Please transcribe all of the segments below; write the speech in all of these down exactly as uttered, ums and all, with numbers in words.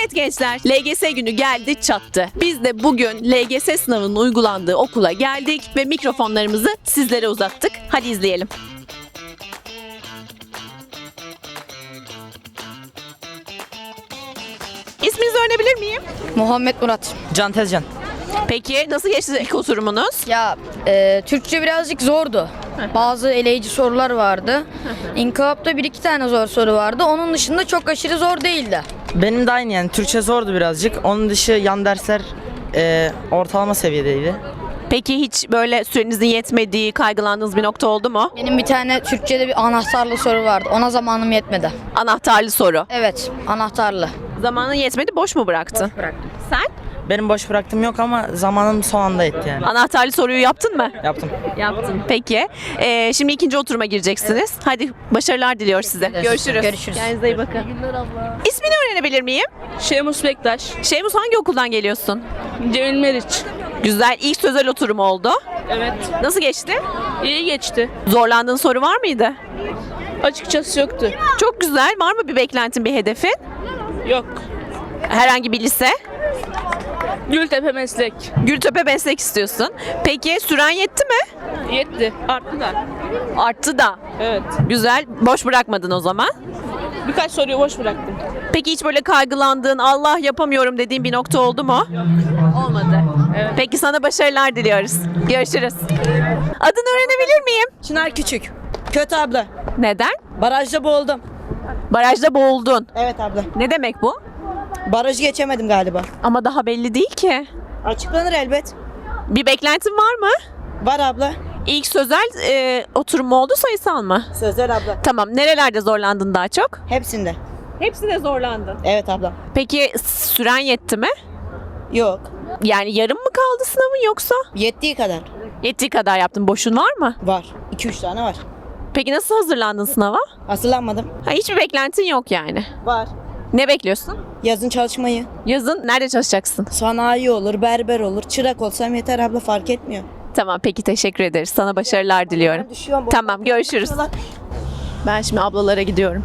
Evet gençler, L G S günü geldi çattı. Biz de bugün L G S sınavının uygulandığı okula geldik ve mikrofonlarımızı sizlere uzattık. Hadi izleyelim. İsminizi öğrenebilir miyim? Muhammed Murat. Can Tezcan. Peki nasıl geçti ilk oturumunuz? Ya e, Türkçe birazcık zordu. Bazı eleyici sorular vardı. İnkılapta bir iki tane zor soru vardı. Onun dışında çok aşırı zor değildi. Benim de aynı yani Türkçe zordu birazcık. Onun dışı yan dersler e, ortalama seviyedeydi. Peki hiç böyle sürenizin yetmediği, kaygılandığınız bir nokta oldu mu? Benim bir tane Türkçe'de bir anahtarlı soru vardı. Ona zamanım yetmedi. Anahtarlı soru. Evet, anahtarlı. Zamanın yetmedi, boş mu bıraktın? Bıraktım. Sen? Benim boş bıraktığım yok ama zamanım son anda etti yani. Anahtarlı soruyu yaptın mı? Yaptım. Yaptım. Peki. Ee, şimdi ikinci oturuma gireceksiniz. Hadi başarılar diliyoruz size. Görüşürüz. Görüşürüz. Kendinize iyi bakın. İsmini öğrenebilir miyim? Şemus Bektaş, Şemus hangi okuldan geliyorsun? Cemil Meriç. Güzel. İlk sözel oturum oldu. Evet, Nasıl geçti? iyi geçti. Zorlandığın soru var mıydı? Açıkçası yoktu. Çok güzel. Var mı bir beklentin, bir hedefin? Yok. Herhangi bir lise? Gültepe Meslek. Gültepe meslek istiyorsun. Peki süren yetti mi? Yetti. Arttı da. Arttı da. Evet. Güzel. Boş bırakmadın o zaman. Birkaç soruyu boş bıraktım. Peki hiç böyle kaygılandığın, Allah yapamıyorum dediğin bir nokta oldu mu? Olmadı. Evet. Peki sana başarılar diliyoruz. Görüşürüz. Adını öğrenebilir miyim? Çınar Küçük. Kötü abla. Neden? Barajda boğuldum. Barajda boğuldun. Evet abla. Ne demek bu? Barajı geçemedim galiba. Ama daha belli değil ki. Açıklanır elbet. Bir beklentin var mı? Var abla. İlk sözel e, oturum mu oldu, sayısal mı? Sözler abla. Tamam. Nerelerde zorlandın daha çok? Hepsinde. Hepsine zorlandın. Evet abla. Peki süren yetti mi? Yok. Yani yarım mı kaldı sınavın yoksa? Yettiği kadar. Yettiği kadar yaptın. Boşun var mı? Var. iki üç tane var. Peki nasıl hazırlandın sınava? Hazırlanmadım. Ha, hiçbir beklentin yok yani. Var. Ne bekliyorsun? Yazın çalışmayı. Yazın nerede çalışacaksın? Sanayi olur, berber olur. Çırak olsam yeter abla, fark etmiyor. Tamam, peki teşekkür ederiz. Sana başarılar diliyorum. Düşüyorum. Tamam, görüşürüz. Ben şimdi ablalara gidiyorum.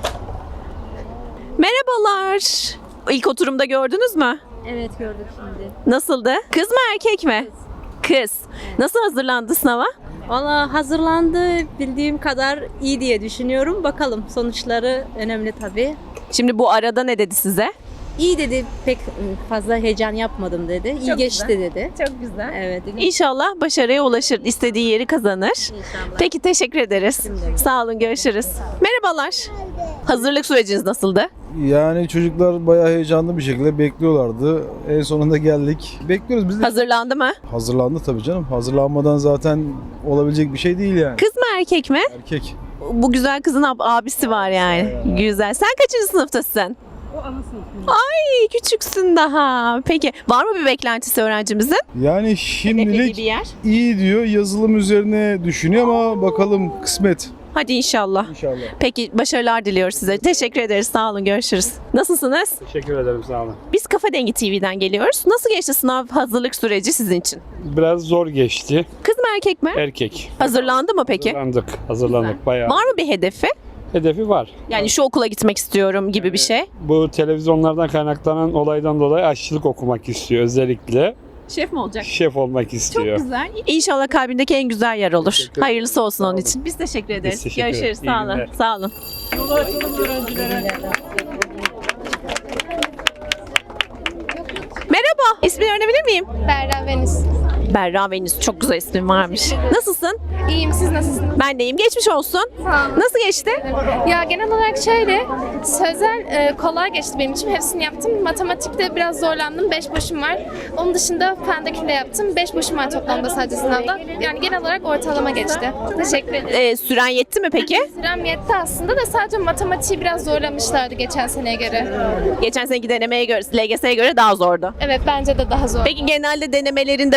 Merhabalar. İlk oturumda gördünüz mü? Evet gördük şimdi. Nasıldı? Kız mı erkek mi? Kız. Nasıl hazırlandı sınava? Valla hazırlandı bildiğim kadar iyi diye düşünüyorum. Bakalım sonuçları önemli tabii. Şimdi bu arada ne dedi size? İyi dedi, pek fazla heyecan yapmadım dedi. İyi Çok geçti güzel. dedi. Çok güzel. Evet. İnşallah başarıya ulaşır, istediği yeri kazanır. İnşallah. Peki teşekkür ederiz. Sağ olun, görüşürüz. Merhabalar. Hazırlık süreciniz nasıldı? Yani çocuklar bayağı heyecanlı bir şekilde bekliyorlardı. En sonunda geldik. Bekliyoruz biz de. Hazırlandı mı? Hazırlandı tabii canım. Hazırlanmadan zaten olabilecek bir şey değil yani. Kız mı erkek mi? Erkek. Bu güzel kızın ab- abisi var yani. Güzel. Sen kaçıncı sınıftasın? Ay küçüksün daha. Peki var mı bir beklentisi öğrencimizin? Yani Hedeflediği şimdilik bir yer. iyi diyor. Yazılım üzerine düşünüyor ama bakalım kısmet Hadi inşallah. inşallah. Peki başarılar diliyoruz size. Teşekkür ederiz. Sağ olun. Görüşürüz. Nasılsınız? Teşekkür ederim, sağ olun. Biz Kafa Dengi T V'den geliyoruz. Nasıl geçti sınav hazırlık süreci sizin için? Biraz zor geçti. Kız mı erkek mi? Erkek. Hazırlandı mı peki? Hazırlandık, hazırlandık bayağı. Var mı bir hedefi? Hedefi var. Yani şu okula gitmek istiyorum gibi bir şey. Bu televizyonlardan kaynaklanan olaydan dolayı aşçılık okumak istiyor özellikle. Şef mi olacak? Şef olmak istiyor. Çok güzel. İnşallah kalbindeki en güzel yer olur. Teşekkür Hayırlısı olsun onun olun. için. Biz teşekkür ederiz. teşekkür Görüşürüz. ederiz. İyi Sağ olun. günler. Sağ olun. Merhaba. İsmini öğrenebilir miyim? Berra Venüs. Berra Venüs. Çok güzel ismin varmış. Nasılsın? İyiyim, siz nasılsınız? Ben de iyiyim. Geçmiş olsun. Sağ olun. Nasıl geçti? Ya genel olarak şöyle, sözel e, kolay geçti benim için. Hepsini yaptım. Matematikte biraz zorlandım. Beş boşum var. Onun dışında fendekini de yaptım. Beş boşum var toplamda sadece sınavda. Yani genel olarak ortalama geçti. Teşekkür ederim. Ee, süren yetti mi peki? Sürem yetti aslında da sadece matematiği biraz zorlamışlardı geçen seneye göre. Geçen seneki denemeye göre, L G S'ye göre daha zordu. Evet, bence de daha zor. Peki genelde denemelerinde böyle mi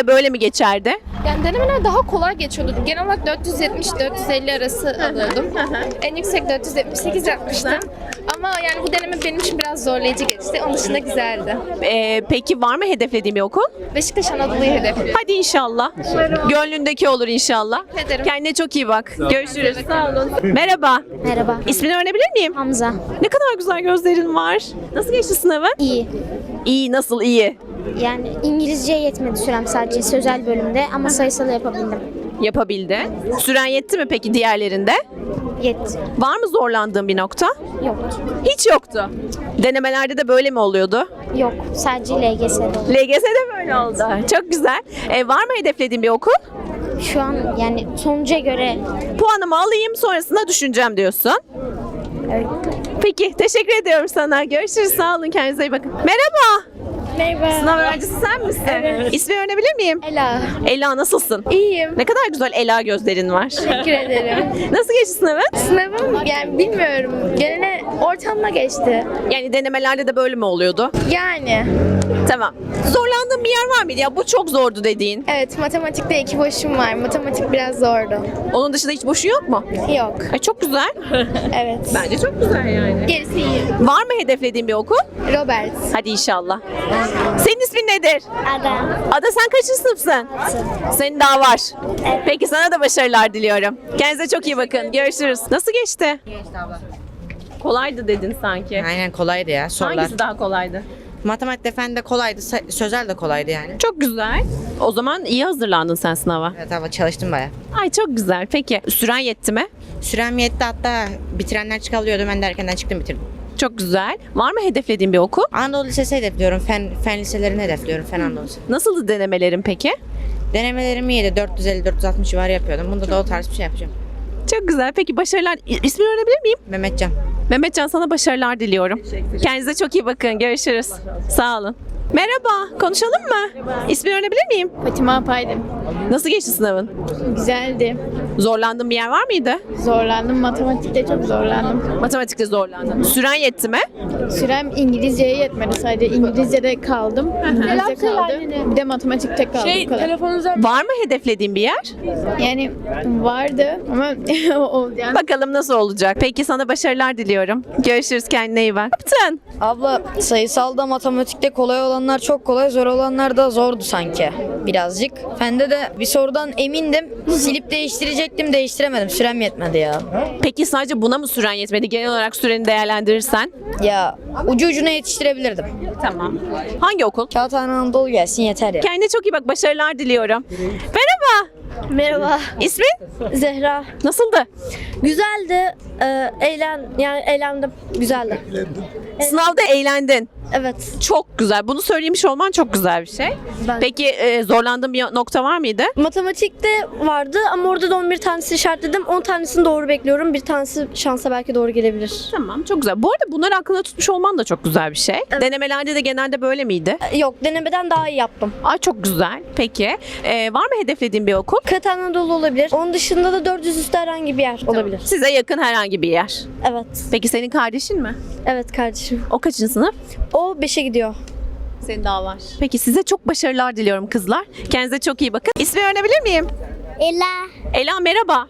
geçerdi? Yani denemeler daha kolay geçiyordu. Genel olarak dört yüz yetmiş dört yüz elli arası alıyordum. En yüksek dört yüz yetmiş sekiz yapmıştım. Ama yani bu deneme benim için biraz zorlayıcı geçti. Onun dışında güzeldi. Ee, peki var mı hedeflediğin bir okul? Beşiktaş Anadolu'yu hedefliyorum. Hadi inşallah. Gönlündeki olur inşallah. Ederim. Kendine çok iyi bak. Görüşürüz. Sağ olun. Merhaba. Merhaba. İsmini öğrenebilir miyim? Hamza. Ne kadar güzel gözlerin var. Nasıl geçti sınavı? İyi. İyi, nasıl iyi? Yani İngilizce yetmedi sürem sadece sözel bölümde ama sayısal yapabildim. Yapabildi. Süren yetti mi peki diğerlerinde? Yetti. Var mı zorlandığın bir nokta? Yok. Hiç yoktu. Denemelerde de böyle mi oluyordu? Yok. Sadece L G S'de oldu. L G S'de böyle oldu. Çok güzel. E, var mı hedeflediğin bir okul? Şu an yani sonuca göre Puanımı alayım sonrasında düşüneceğim diyorsun. evet. Peki teşekkür ediyorum sana. Görüşürüz. Sağ olun. Kendinize iyi bakın. Merhaba. Merhaba. Sınav öğrencisi sen misin? Evet. İsmini öğrenebilir miyim? Ela. Ela nasılsın? İyiyim. Ne kadar güzel Ela gözlerin var. Teşekkür ederim. Nasıl geçti sınavın? Sınavım yani bilmiyorum. Genel ortamda geçti. Yani denemelerde de böyle mi oluyordu? Yani. Tamam. Zorlandığın bir yer var mıydı? Ya bu çok zordu dediğin. Evet, matematikte iki boşum var. Matematik biraz zordu. Onun dışında hiç boşu yok mu? Yok. Ay çok güzel. Evet. Bence çok güzel yani. Gerisi iyi. Var mı hedeflediğin bir okul? Robert. Hadi inşallah. Senin ismin nedir? Ada. Ada sen kaçıncı sınıfsın? Senin daha var. Peki sana da başarılar diliyorum. Kendinize çok iyi bakın. Görüşürüz. Nasıl geçti? Geçti abla. Kolaydı dedin sanki. Aynen kolaydı ya sorular. Hangisi daha kolaydı? Matematik fen de kolaydı, sa- sözel de kolaydı yani. Çok güzel. O zaman iyi hazırlandın sen sınava. Evet ama çalıştım baya. Ay çok güzel. Peki süren yetti mi? Sürem yetti, hatta bitirenler çıkabiliyordu, ben de erkenden çıktım bitirdim. Çok güzel. Var mı hedeflediğin bir okul? Anadolu Lisesi hedefliyorum, fen, fen liselerini hedefliyorum, fen Anadolu Lisesi. Nasıldı denemelerin peki? Denemelerim iyiydi, dört yüz elli dört yüz altmış civarı yapıyordum. Bunda da o tarz bir şey yapacağım. Çok güzel. Peki başarılar. İsmini öğrenebilir miyim? Mehmetcan. Mehmetcan sana başarılar diliyorum. Kendinize çok iyi bakın. Görüşürüz. Sağ olun. Merhaba. Konuşalım mı? İsmini öğrenebilir miyim? Fatima Apaydım. Nasıl geçti sınavın? Güzeldi. Zorlandığın bir yer var mıydı? Zorlandım. Matematikte çok zorlandım. Matematikte zorlandın. Süren yetti mi? Sürem İngilizceye yetmedi sadece. İngilizce'de kaldım. İngilizce kaldı. Bir de matematikte kaldım. Şey, bu kadar. telefonunuza Var mı hedeflediğin bir yer? Yani vardı ama o yani. Bakalım nasıl olacak. Peki sana başarılar diliyorum. Görüşürüz. Kendine iyi bak. Ne yaptın? Abla sayısalda matematikte kolay olanlar çok kolay, zor olanlar da zordu sanki birazcık. Fende de bir sorudan emindim. Silip değiştirecektim, değiştiremedim. Sürem yetmedi ya. Peki sadece buna mı süren yetmedi? Genel olarak süreni değerlendirirsen. Ya ucu ucuna yetiştirebilirdim. Tamam. Hangi okul? Kağıthane Anadolu gelsin yeter ya. Kendine çok iyi bak. Başarılar diliyorum. Merhaba. Merhaba. İsmin? Zehra. Nasıldı? Güzeldi. Ee, eğlen yani eğlendim. Güzeldi. Sınavda eğlendin. Evet. Çok güzel. Bunu söylemiş olman çok güzel bir şey. Ben- Peki e, zorlandığın bir nokta var mıydı? Matematikte vardı ama orada da on bir tanesi işaretledim. on tanesini doğru bekliyorum. Bir tanesi şansa belki doğru gelebilir. Tamam, çok güzel. Bu arada bunları aklında tutmuş olman da çok güzel bir şey. Denemelerde de genelde böyle miydi? Ee, Yok, denemeden daha iyi yaptım. Ay çok güzel. Peki e, var mı hedeflediğin bir okul? Kağıt Anadolu olabilir. Onun dışında da dört yüz üstü herhangi bir yer olabilir. Size yakın herhangi bir yer. Evet. Peki senin kardeşin mi? Evet kardeşim. O kaçıncı sınıf? O beşe gidiyor. Senin daha var. Peki size çok başarılar diliyorum kızlar. Kendinize çok iyi bakın. İsmi öğrenebilir miyim? Ela. Ela merhaba.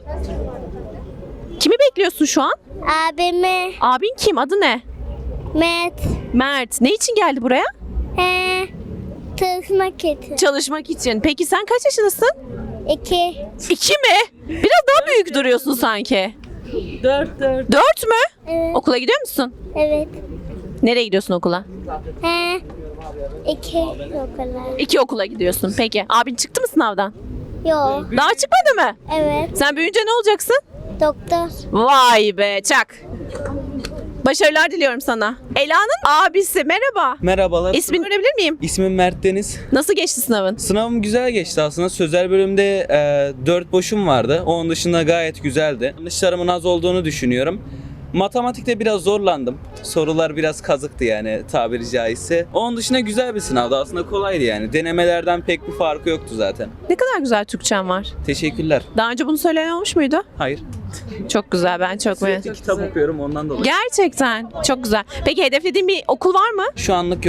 Kimi bekliyorsun şu an? Abimi. Abin kim? Adı ne? Met. Mert. Ne için geldi buraya? He. Çalışmak için. Çalışmak için. Peki sen kaç yaşındasın? İki. İki mi? Biraz daha büyük duruyorsun sanki. dört dört. Dört mü? Evet. Okula gidiyor musun? Evet. Nereye gidiyorsun okula? He. İki okula. İki okula gidiyorsun. Peki. Abin çıktı mı sınavdan? Yok. Daha çıkmadı mı? Evet. Sen büyüyünce ne olacaksın? Doktor. Vay be çak. Başarılar diliyorum sana. Ela'nın abisi merhaba. Merhabalar. İsmini öğrenebilir miyim? İsmim Mert Deniz. Nasıl geçti sınavın? Sınavım güzel geçti aslında. Sözel bölümde e, dört boşum vardı. Onun dışında gayet güzeldi. Yanlışlarımın az olduğunu düşünüyorum. Matematikte biraz zorlandım. Sorular biraz kazıktı yani tabiri caizse. Onun dışında güzel bir sınavdı. Aslında kolaydı yani. Denemelerden pek bir farkı yoktu zaten. Ne kadar güzel Türkçen var. Teşekkürler. Daha önce bunu söyleyen olmuş muydu? Hayır. Çok güzel, ben çok Sürekli beğendim. kitap okuyorum ondan dolayı. Gerçekten çok güzel. Peki hedeflediğin bir okul var mı? Şu anlık yok.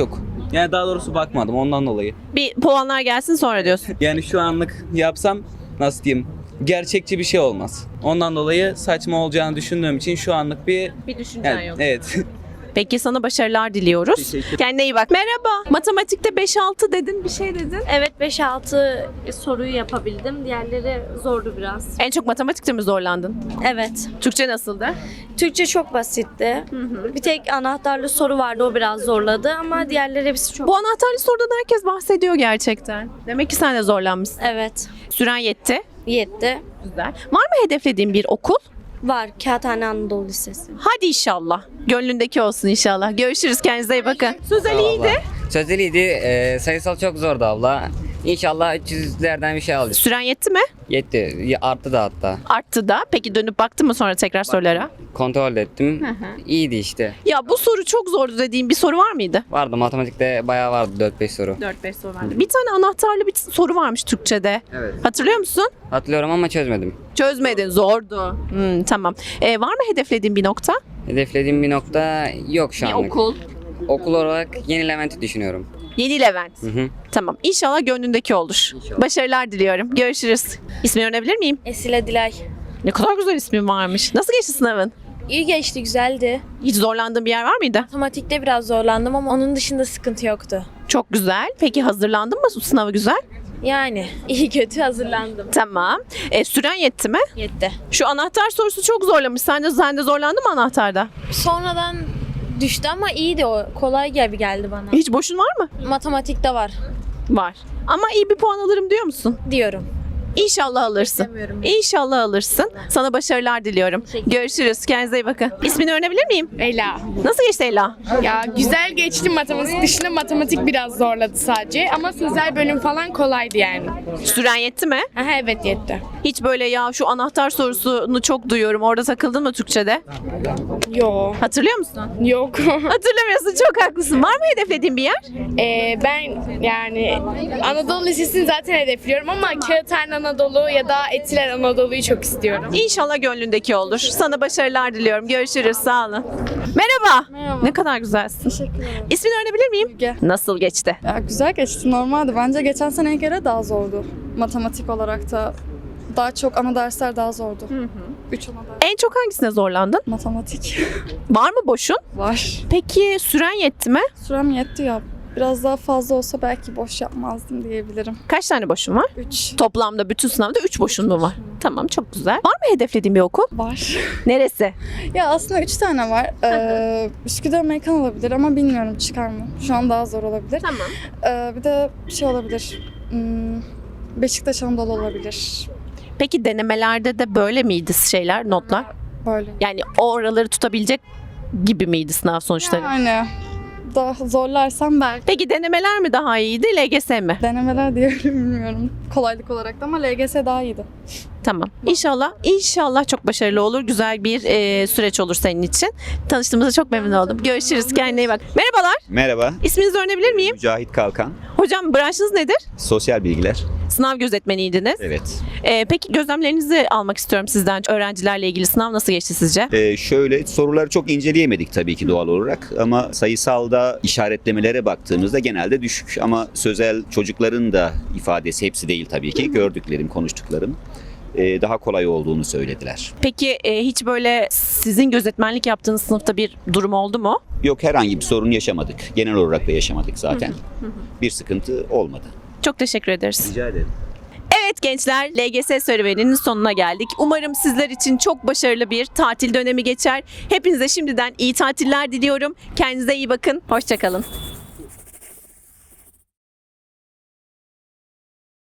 Yani daha doğrusu bakmadım ondan dolayı. Bir puanlar gelsin sonra diyorsun. Yani şu anlık yapsam nasıl diyeyim gerçekçi bir şey olmaz. Ondan dolayı saçma olacağını düşündüğüm için şu anlık bir... Bir düşüncen Yani, yok. evet. Peki sana başarılar diliyoruz. Teşekkür. Kendine iyi bak. Merhaba. Matematikte beş altı dedin, bir şey dedin. Evet beş altı soruyu yapabildim. Diğerleri zordu biraz. En çok matematikte mi zorlandın? Evet. Türkçe nasıldı? Türkçe çok basitti. Bir tek anahtarlı soru vardı, o biraz zorladı ama diğerleri hepsi çok... Bu anahtarlı sorudan herkes bahsediyor gerçekten. Demek ki sen de zorlanmışsın. Evet. Süren yetti. Yetti. Güzel. Var mı hedeflediğin bir okul? Var. Kağıthane Anadolu Lisesi. Hadi inşallah. Gönlündeki olsun inşallah. Görüşürüz. Kendinize iyi bakın. Sözel iyiydi. Sözeliydi. Ee, sayısal çok zordu abla. İnşallah üç yüzlerden bir şey alacağız. Süren yetti mi? Yetti. Ya- Arttı da hatta. Arttı da. Peki dönüp baktın mı sonra tekrar sorulara? Kontrol ettim. İyiydi işte. Ya bu soru çok zordu dediğin bir soru var mıydı? Vardı matematikte bayağı vardı dört beş soru. dört beş soru vardı. Bir tane anahtarlı bir soru varmış Türkçe'de. Evet. Hatırlıyor musun? Hatırlıyorum ama çözmedim. Çözmedin. Zordu. Hmm, tamam. Ee, var mı hedeflediğin bir nokta? Hedeflediğim bir nokta yok şu Bir anlık. okul. Okul olarak Yeni Levent'i düşünüyorum. Yeni Levent. Hı hı. Tamam. İnşallah gönlündeki olur. İnşallah. Başarılar diliyorum. Görüşürüz. İsmini öğrenebilir miyim? Esile Dilay. Ne kadar güzel ismin varmış. Nasıl geçti sınavın? İyi geçti, güzeldi. Hiç zorlandığın bir yer var mıydı? Matematikte biraz zorlandım ama onun dışında sıkıntı yoktu. Çok güzel. Peki hazırlandın mı sınavı güzel? Yani iyi kötü hazırlandım. Tamam. E, süren yetti mi? Yetti. Şu anahtar sorusu çok zorlamış. Sen de, sen de zorlandın mı anahtarda? Sonradan düştü ama iyiydi o. Kolay gibi geldi bana. Hiç boşun var mı? Matematikte var Var. Ama iyi bir puan alırım diyor musun? diyorum. İnşallah alırsın. Demiyorum. İnşallah alırsın. Sana başarılar diliyorum. Görüşürüz. Kendinize iyi bakın. İsmini öğrenebilir miyim? Ela. Nasıl geçti Ela? Ya güzel geçti matematik dışında, matematik biraz zorladı sadece ama sözel bölüm falan kolaydı yani. Süren yetti mi? Aha, evet yetti. Hiç böyle ya şu anahtar sorusunu çok duyuyorum. Orada takıldın mı Türkçe'de? Yo. Hatırlıyor musun? Yok. Hatırlamıyorsun. Çok haklısın. Var mı hedeflediğin bir yer? Ee, ben yani Anadolu Lisesi'ni zaten hedefliyorum ama Kağıthane Anadolu ya da Etiler Anadolu'yu çok istiyorum. İnşallah gönlündeki olur. Sana başarılar diliyorum. Görüşürüz. Sağ olun. Merhaba. Merhaba. Ne kadar güzelsin. Teşekkür ederim. İsmini öğrenebilir miyim? Müge. Nasıl geçti? Ya güzel geçti, normaldi. Bence geçen seneye göre daha zordu. Matematik olarak da daha çok ana dersler daha zordu. Hı hı. Üç ana ders. En çok hangisine zorlandın? Matematik Var mı boşun? var. Peki süren yetti mi? Sürem yetti ya. Biraz daha fazla olsa belki boş yapmazdım diyebilirim. Kaç tane boşun var? Üç Toplamda bütün sınavda üç boşun mu var? Tamam, çok güzel. Var mı hedeflediğin bir okul? var. Neresi? Ya aslında üç tane var. Ee, Üsküdar Amerikan olabilir ama bilmiyorum çıkar mı. Şu an daha zor olabilir. Tamam. Ee, bir de şey olabilir. Hmm, Beşiktaş Anadolu olabilir. Peki denemelerde de böyle miydi şeyler, notlar? Böyle. Yani o oraları tutabilecek gibi miydi sınav sonuçları? Yani daha zorlarsam belki. Peki denemeler mi daha iyiydi, L G S mi? Denemeler diyelim, bilmiyorum kolaylık olarak da ama L G S daha iyiydi. Tamam. İnşallah, inşallah çok başarılı olur. Güzel bir e, süreç olur senin için. Tanıştığımıza çok memnun oldum. Görüşürüz. Kendine iyi bak. Merhabalar. Merhaba, İsminizi öğrenebilir miyim? Mücahit Kalkan, Hocam branşınız nedir? sosyal bilgiler. Sınav gözetmeniydiniz. Evet. E, peki gözlemlerinizi almak istiyorum sizden. Öğrencilerle ilgili sınav nasıl geçti sizce? Ee, şöyle soruları çok inceleyemedik tabii ki doğal olarak ama sayısalda işaretlemelere baktığımızda genelde düşük ama sözel çocukların da ifadesi hepsi değil tabii ki gördüklerim, konuştuklarım e, daha kolay olduğunu söylediler. Peki e, hiç böyle sizin gözetmenlik yaptığınız sınıfta bir durum oldu mu? Yok, herhangi bir sorun yaşamadık. Genel olarak da yaşamadık zaten. Bir sıkıntı olmadı. Çok teşekkür ederiz. Rica ederim. Evet gençler, L G S serüveninin sonuna geldik. Umarım sizler için çok başarılı bir tatil dönemi geçer. Hepinize şimdiden iyi tatiller diliyorum. Kendinize iyi bakın. Hoşça kalın.